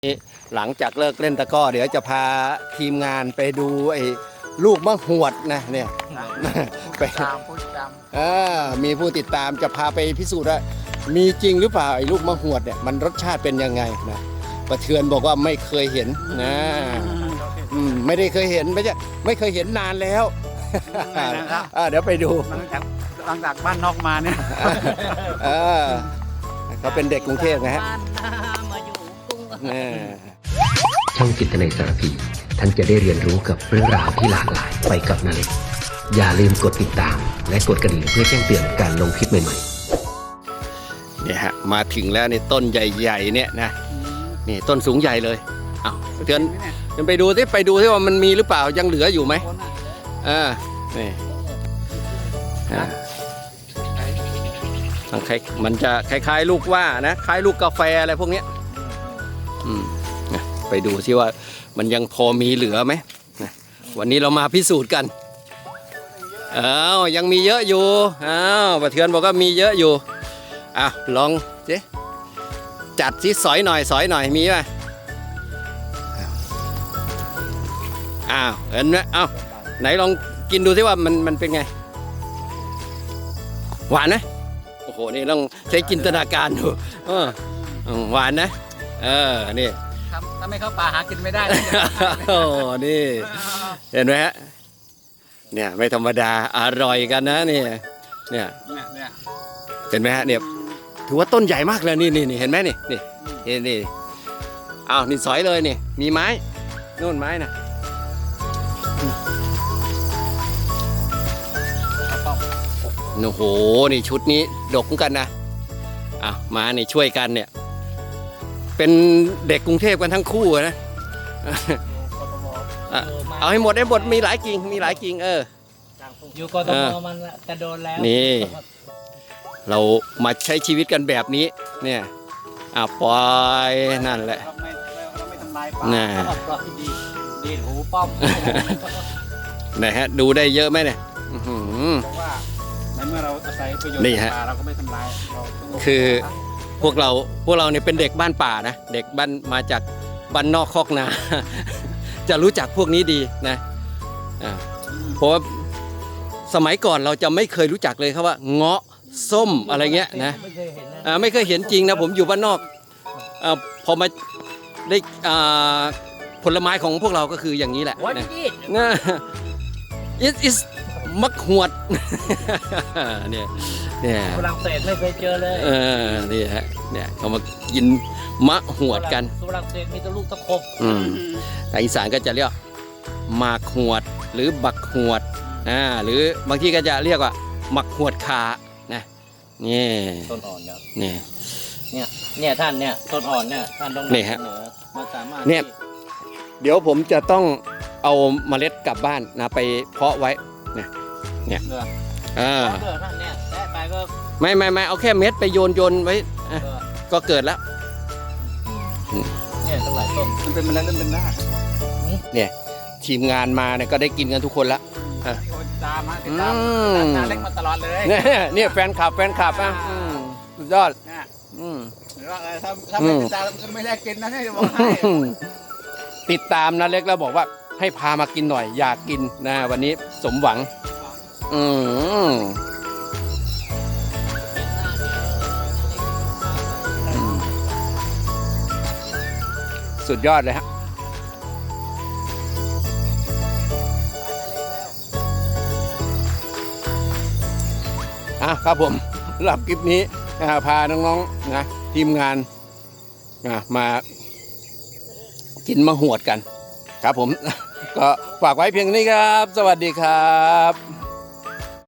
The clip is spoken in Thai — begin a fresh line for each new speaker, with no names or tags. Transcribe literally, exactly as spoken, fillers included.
หลังจากเลิกเล่นตะกร้อเดี๋ยวจะพาทีมงานไปดูไอ้ลูกมะหวดนะเนี่ยไปตามผู้ติดตามเออมีผู้ติดตามจะพาไปพิสูจน์ว่ามีจริงหรือเปล่าไอ้ลูกมะหวดเนี่ยมันรสชาติเป็นยังไงนะประเทือนบอกว่าไม่เคยเห็นนะอืมไม่ได้เคยเห็นไม่ใช่ไม่เคยเห็นนานแล้วเดี๋ยวไปดู
หลังจากหลังจากบ้านนอกมาเนี่ย
เออเขาเป็นเด็กกรุงเทพนะฮะ
ช่องจิตนาสารพีท่านจะได้เรียนรู้กับเรื่องราวที่หลากหลายไปกับนาเล็กอย่าลืมกดติดตามและกดกระดิ่งเพื่อแจ้งเตือนการลงคลิปใหม่
ๆเนี่ยฮะมาถึงแล้วในต้นใหญ่ๆเนี่ยนะนี่ต้นสูงใหญ่เลยอ้าวเตือนเดินไปดูสิไปดูสิว่ามันมีหรือเปล่ายังเหลืออยู่ไหมอ่านี่อ่ามันจะคล้ายๆลูกว่านะคล้ายลูกกาแฟอะไรพวกนี้อืมไปดูซิว่ามันยังพอมีเหลือไหมวันนี้เรามาพิสูจน์กันอ้าวยังมีเยอะอยู่อ้าวประเทือนบอกว่ามีเยอะอยู่อ้าวลองสิจัดสิสอยหน่อยสอยหน่อยมีไหมอ้าวเห็นไหมอ้าวไหนลองกินดูสิว่ามันมันเป็นไงหวานนะโอ้โหนี่ต้องใช้จินตนาการดูเออหวานนะเออนี่
ถ้าไม่เข้าป่าหากินไม่ได้
โอ้นี่เห็นไหมฮะเนี่ยไม่ธรรมดาอร่อยกันนะนี่เนี่ยเห็นไหมฮะเนี่ยถือว่าต้นใหญ่มากเลยนี่นี่เห็นไหมนี่นี่นี่นี่อ้าวนี่สอยเลยนี่มีไม้นู่นไม้นะโอ้โหนี่ชุดนี้ดกกันนะอ้าวมานี่ช่วยกันเนี่ยเป็นเด็กกรุงเทพกันทั้งคู่นะเอาให้หมดให้หมดมีหลายกิ่งมีหลายกิ่งเออ
อยู่กทมมันจะโดนแล้ว
นี่เรามาใช้ชีวิตกันแบบนี้เนี่ยอ่ะปล่อยนั่นแหละน่ะ
ดีหูป้อม
ไหนฮะดูได้เยอะไหมเนี่ย
เพราะว่าในเมื่อเราอาศัยประโยชน์จากป่าเราก็ไม่ทำลาย
คือพวกเราพวกเราเนี่ยเป็นเด็กบ้านป่านะเด็กบ้านมาจากบ้านนอกคอกนาจะรู้จักพวกนี้ดีนะเพราะว่าสมัยก่อนเราจะไม่เคยรู้จักเลยครับว่าเงาะส้มอะไรเงี้ยนะไม่เคยเห็นจริงนะผมอยู่บ้านนอกพอมาได้ผลไม้ของพวกเราก็คืออย่างนี้แหละนะ it is มักหวดเนี่ยเนี่ย
ฝรั่งเศสไม่เคยเจอเลย
เออนี่ฮะเนี่ยเขามากินมะหวดกัน
ฝรั่งเศสมีแต่ลูกตะขบ
อืมแต่อีสานก็จะเรียกหมากหวดหรือบักหวดอ่าหรือบางที่ก็จะเรียกว่าหมักหวดขานะนี่
ต้นอ่อนครับ
นี่
เนี่ยเนี่ยท่านเนี่ยต้นอ่อนเนี่ยท่านต้อง
นี่ฮะ
มาสามารถ
เนี่ยเดี๋ยวผมจะต้องเอาเมล็ดกลับบ้านนะไปเพาะไว้เนี่ยเนี่ยอ่าไม่ไม่ไม่เอาแค่เม็ดไปโยนโยนไว้ก็เกิดแล้ว
เนี่ยตั้งหลายต้น
มันเป็นเมล็ดมันเป็นหน้า
เนี่ยทีมงานมาเนี่ยก็ได้กินกันทุกคนละ
ตามมาติดตามนาเล็กมาตลอดเลย
เนี่ยแฟนคลับแฟนคลับอ่ะสุดยอด
หรือว่าถ้าถ้าไม่ติดตามไม่ได้กินนะให้จะบอกให้
ติดตามนาเล็กแล้วบอกว่าให้พามากินหน่อยอยากกินนะวันนี้สมหวังอืมสุดยอดเลยฮะอ่ะครับผมสำหรับคลิปนี้พาน้องๆนะทีมงานมากินมะหวดกันครับผมก็ฝากไว้เพียงนี้ครับสวัสดีครับ